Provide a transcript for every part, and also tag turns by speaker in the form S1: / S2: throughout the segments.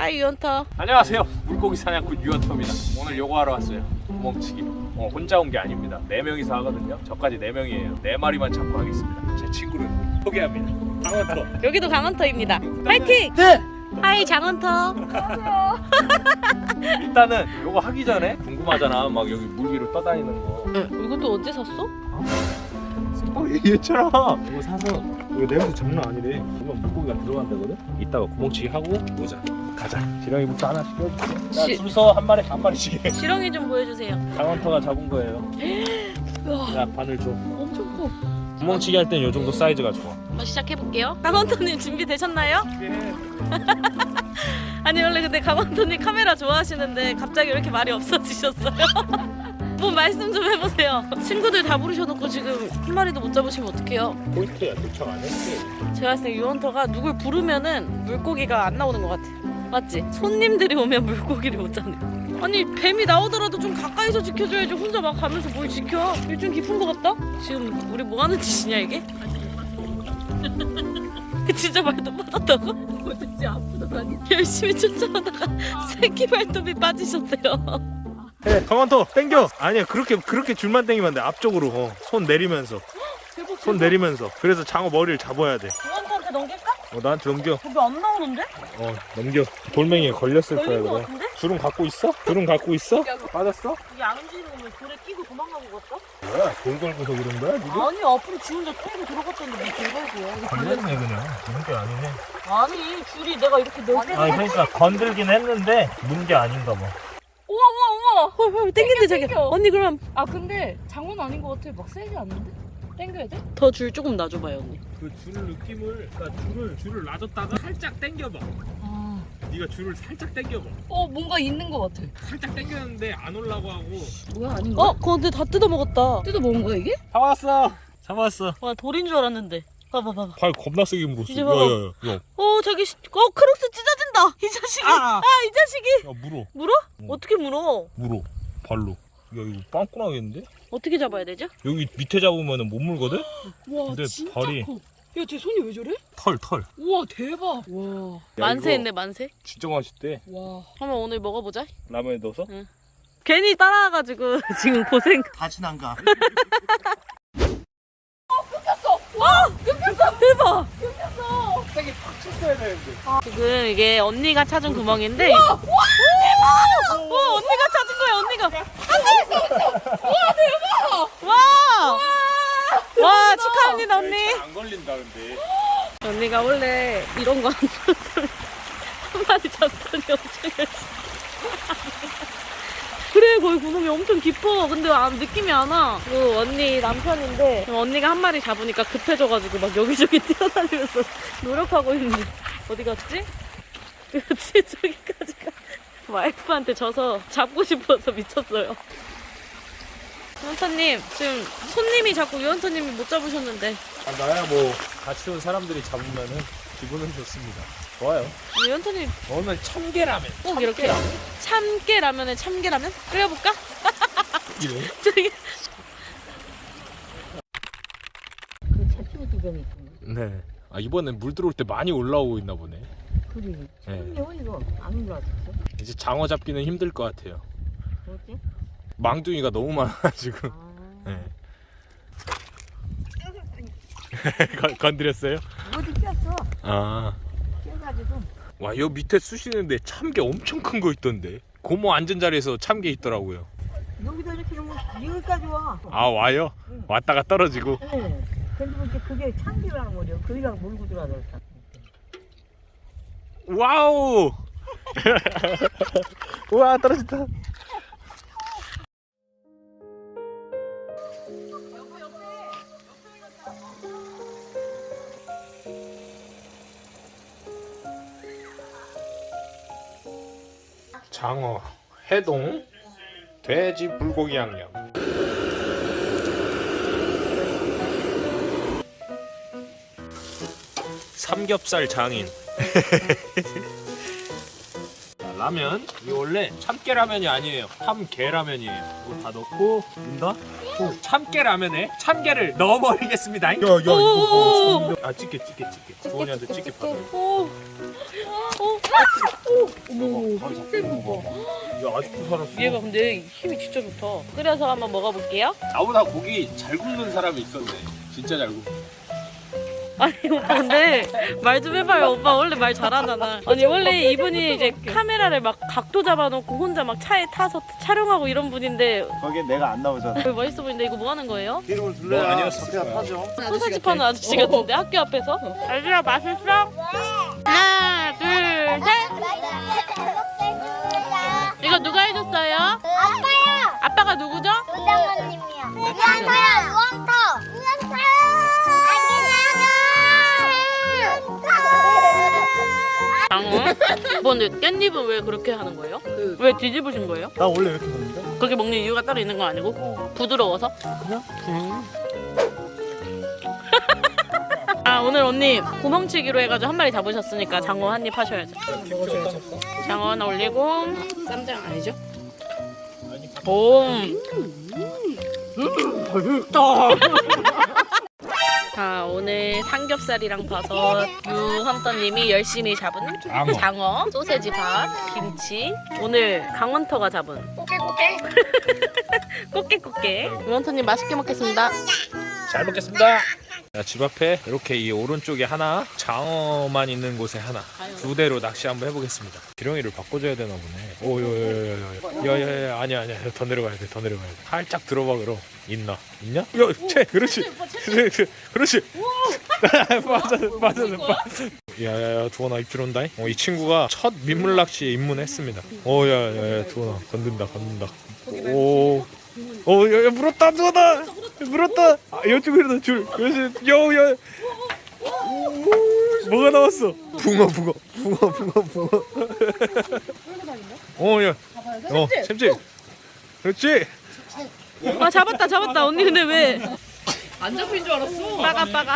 S1: 하이 유언터.
S2: 안녕하세요. 물고기 사냥꾼 유언터입니다. 오늘 요거 하러 왔어요. 구멍치기. 혼자 온 게 아닙니다. 4명이서 하거든요. 저까지 4명이에요. 4마리만 잡고 하겠습니다. 제 친구를 소개합니다. 강원터.
S1: 여기도 강원터입니다. 파이팅!
S2: 네.
S1: 하이 장원터.
S2: 일단은 요거 하기 전에 궁금하잖아. 막 여기 물 위로 떠다니는 거.
S1: 이것도 언제 샀어?
S2: 얘처럼 이거 사서 이거 냄새 장난 아니래. 이건 물고기가 들어간다거든. 이따가 구멍치기 하고 오자. 가자. 지렁이부터 하나씩 껴줄게. 줄서 한 마리씩 해.
S1: 지렁이 좀 보여주세요.
S2: 강원터가 잡은 거예요. 야 바늘 줘.
S1: 엄청 커.
S2: 구멍치기 할 땐 요 정도 사이즈가 좋아.
S1: 시작해볼게요. 강원터님 준비되셨나요? 아니 원래 근데 강원터님 카메라 좋아하시는데 갑자기 왜 이렇게 말이 없어지셨어요? 뭐 말씀 좀 해보세요. 친구들 다 부르셔놓고 지금 한 마리도 못 잡으시면 어떡해요?
S2: 포인트야 도착 안 했지.
S1: 제가 봤을 때 유언터가 누굴 부르면은 물고기가 안 나오는 것 같아. 맞지? 손님들이 오면 물고기를 못 잡네. 아니 뱀이 나오더라도 좀 가까이서 지켜줘야지. 혼자 막 가면서 뭘 지켜? 이게 좀 깊은 것 같다? 지금 우리 뭐 하는 짓이냐 이게? 진짜 발톱 빠졌다고? 어쩐지 아프더라니. 열심히 쫓아오다가 새끼 발톱이 빠지셨대요.
S2: 네, 강원터 땡겨. 아니야 그렇게 줄만 땡기면 안 돼. 앞쪽으로 손 내리면서.
S1: 대박,
S2: 손 내리면서. 그래서 장어 머리를 잡아야 돼.
S1: 유언터한테 넘길까?
S2: 나한테 넘겨.
S1: 거기 안 나오는데?
S2: 넘겨. 돌멩이에 걸렸을 거야
S1: 걸린 것
S2: 그래.
S1: 같은데?
S2: 줄은 갖고 있어? 줄은 갖고 있어? 빠졌어?
S1: 이게 안 움직이면 돌에 끼고 도망간 것 같다?
S2: 뭐야? 돌 걸고서 그런 거야 지금?
S1: 아니 앞으로 지 혼자 끼고 들어갔던데 뭐 돌걸고야.
S2: 걸렸네 그냥. 문게 아니네.
S1: 아니 줄이 내가 이렇게 넓게
S2: 그러니까 건들긴 했는데 문게 아닌가 봐.
S3: 우와 우와 우와.
S1: 헐 땡긴대 자기.
S3: 땡겨.
S1: 언니 그럼
S3: 아 근데 장어는 아닌 것 같아. 막 세지 않는데? 땡겨야 돼?
S1: 더 줄 조금 놔줘봐요 언니.
S2: 그 줄 느낌을 그러니까 줄을 놔줬다가 살짝 당겨봐.
S3: 아.
S2: 네가 줄을 살짝 당겨봐.
S3: 뭔가 있는 것 같아.
S2: 살짝 당겼는데 안 올라고 하고.
S3: 뭐야 아닌가?
S1: 근데 다 뜯어먹었다.
S3: 뜯어 먹은 거야 이게?
S2: 잡았어.
S1: 와 돌인 줄 알았는데. 봐봐.
S2: 발 겁나 세게 물었어.
S1: 이제 봐봐.
S2: 야.
S1: 저기 크록스 찢어진다. 이 자식이. 이 자식이.
S2: 야 물어.
S1: 물어? 어떻게 물어?
S2: 발로. 야 이거 빵꾸 나겠는데?
S1: 어떻게 잡아야 되죠?
S2: 여기 밑에 잡으면 못 물거든?
S3: 와
S2: 근데
S3: 진짜
S2: 발이-
S3: 커. 야 쟤 손이 왜 저래?
S2: 털.
S3: 우와 대박. 와.
S1: 만세했네 만세.
S2: 진짜 맛있대.
S3: 와.
S1: 한번 오늘 먹어보자.
S2: 라면에 넣어서?
S1: 괜히 따라와가지고 지금 고생.
S4: 다시 안 가.
S1: 대박.
S2: 세게 팍 쳤어야 되는데.
S1: 지금 이게 언니가 찾은 구멍인데. 와 대박. 언니가 찾은 거야 언니가. 와 대박. 와 축하합니다 언니.
S2: 안 걸린다 근데.
S1: 언니가 원래 이런 거 안 좋아서 한 마리 잡더니 엄청 열심히. 그래 거기 구멍이 엄청 깊어. 근데 느낌이 안 와. 그 언니 남편인데 언니가 한 마리 잡으니까 급해져가지고 막 여기저기 뛰어다니면서 노력하고 있는데 어디 갔지? 그렇지 저기까지 가. 와이프한테 져서 잡고 싶어서 미쳤어요. 유언터님 지금 손님이 자꾸 유언터님이 못 잡으셨는데.
S2: 나야 뭐 같이 온 사람들이 잡으면은 기분은 좋습니다. 좋아요.
S1: 유언터님
S2: 오늘 참깨라면.
S1: 꼭 이렇게 참깨라면에 참깨라면 끓여볼까?
S2: 이래?
S1: 저기
S2: 네. 이번엔 물 들어올 때 많이 올라오고 있나 보네.
S5: 그래.
S2: 네.
S5: 이거 안 올라왔어.
S2: 이제 장어 잡기는 힘들 것 같아요.
S5: 뭐지?
S2: 망둥이가 너무 많아가지고.
S5: 아,
S2: 네. 건드렸어요?
S5: 어디 꼈어?
S2: 아.
S5: 껴가지고.
S2: 와, 여 밑에 쑤시는데 참게 엄청 큰 거 있던데. 고모 앉은 자리에서 참게 있더라고요.
S5: 여기다 이렇게 놓으면 여기까지 와.
S2: 와요? 왔다가 떨어지고.
S5: 네. 근데 이제 그게 참기라는 거죠. 그이랑 몰고 들어가서.
S2: 와우! 우와, 떨어졌다. 장어, 해동, 돼지 불고기 양념. 삼겹살 장인. 라면. 이거 원래 참깨라면이 아니에요. 참깨라면이에요. 이거 다 넣고 넣는다. 참깨라면에 참깨를 넣어버리겠습니다. 야 이거 찍게 주원이한테 찍게 받아.
S3: 어머, 센 거.
S2: 야 아직도 살았어.
S1: 얘가 근데 힘이 진짜 좋다. 끓여서 한번 먹어볼게요.
S2: 나보다 고기 잘 굽는 사람이 있었네. 진짜 잘 굽.
S1: 아니 오빠 근데 말 좀 해봐요. 오빠 원래 말 잘하잖아. 아니 원래 이분이 이제 카메라를 막 각도 잡아놓고 혼자 막 차에 타서 촬영하고 이런 분인데
S4: 거기에 내가 안 나오잖아.
S1: 왜 멋있어 보이는데 이거 뭐 하는 거예요?
S4: 기름을
S2: 뭐
S4: 둘러야
S2: 아니었어.
S4: 그냥 타죠.
S1: 소세지 파는 아저씨 같은데 학교 앞에서? 아저씨야 맛있어? 하나 둘 셋. 이거 누가 해줬어요?
S6: 아빠요.
S1: 아빠가 누구죠?
S6: 부장님이요. 우왕터요. 우왕터.
S1: 장어? 뭐 근데 깻잎은 왜 그렇게 하는 거예요? 왜 뒤집으신 거예요?
S4: 나 원래 이렇게 먹는데?
S1: 그렇게 먹는 이유가 따로 있는 거 아니고? 부드러워서?
S4: 그냥?
S1: 아 오늘 언니 구멍치기로 해가지고 한 마리 잡으셨으니까 장어 한 입 하셔야죠. 장어 하나 올리고 쌈장 아니죠? 오. 자 오늘 삼겹살이랑 버섯 유헌터님이 열심히 잡은 장어, 소세지 밥, 김치. 오늘 강원터가 잡은 꽃게. 유헌터님 맛있게 먹겠습니다.
S2: 잘 먹겠습니다. 자, 집 앞에 이렇게 이 오른쪽에 하나, 장어만 있는 곳에 하나, 두 대로 낚시 한번 해보겠습니다. 기렁이를 바꿔줘야 되나 보네. 야야야 아니야 더 내려가야 돼. 살짝 들어봐 그럼. 있냐? 그렇지. 맞아. 야야야 두원아 입질 온다. 이 친구가 첫 민물 낚시에 입문했습니다. 야야야 두원아 건든다. 야 물었다 두원아. 물었다. 이쪽으로 줄. 그렇지. 야. 뭐가 나왔어? 붕어. 야. 샘지. 그렇지.
S1: 아 잡았다. 언니 근데 왜?
S3: 안 잡힌 줄 알았어.
S1: 빠가.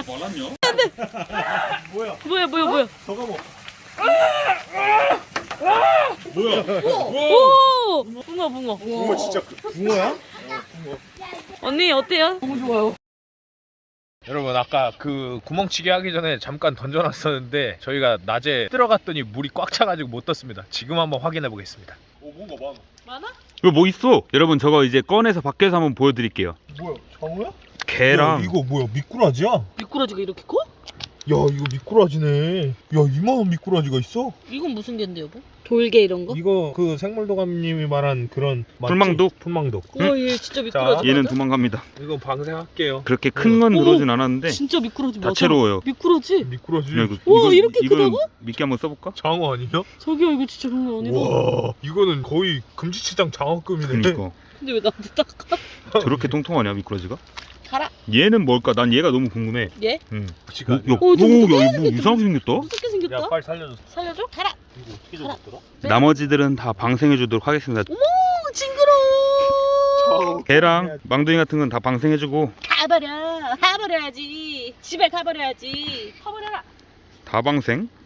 S1: 뭐야?
S4: 저거 뭐?
S1: 오! 붕어.
S4: 붕어 진짜 붕어야?
S1: 언니 어때요?
S3: 너무 좋아요.
S2: 여러분 아까 그 구멍치기 하기 전에 잠깐 던져놨었는데 저희가 낮에 들어갔더니 물이 꽉 차가지고 못 떴습니다. 지금 한번 확인해 보겠습니다. 뭔가
S1: 많아?
S7: 이거 뭐 있어? 여러분 저거 이제 꺼내서 밖에서 한번 보여드릴게요.
S4: 뭐야? 장어야?
S7: 개랑
S4: 이거 뭐야? 미꾸라지야?
S1: 미꾸라지가 이렇게 커?
S4: 야 이거 미꾸라지네. 야 이만한 미꾸라지가 있어?
S1: 이건 무슨 개인데 여보? 돌개 이런 거?
S4: 이거 그 생물도감님이 말한 그런 맞지?
S7: 풀망독?
S4: 풀망독.
S1: 우와 얘 진짜 미꾸라지
S7: 얘는
S1: 맞아?
S7: 도망갑니다.
S2: 이거 방생할게요.
S7: 그렇게 큰 건
S1: 오!
S7: 들어오진 않았는데
S1: 진짜 미꾸라지 맞아?
S7: 다채로워요.
S1: 미꾸라지?
S4: 미꾸라지.
S7: 야, 이거,
S1: 우와, 이렇게
S7: 이거는
S1: 크다고?
S7: 미끼 한번 써볼까?
S4: 장어 아니야?
S1: 저기요 이거 진짜 장난 아니다.
S4: 와 이거는 거의 금지치장 장어급이네.
S7: 그러니까
S1: 근데 왜 나한테 닦아?
S7: 저렇게 통통하냐 미꾸라지가?
S1: 가라.
S7: 얘는 뭘까? 난 얘가 너무 궁금해.
S1: 얘?
S7: 응.
S4: 지가
S7: 야,
S1: 오, 저 무섭게
S7: 야, 뭐 이상하게 생겼다?
S1: 무섭게 생겼다?
S4: 야 빨리 살려줘.
S1: 살려줘? 가라.
S4: 이거 어떻게 잡았더라?
S7: 나머지들은 다 방생해주도록 하겠습니다.
S1: 오 징그러워.
S7: 개랑 망둥이 같은 건 다 방생해주고
S1: 가버려야지. 집에 가버려야지. 가버려라.
S7: 다 방생?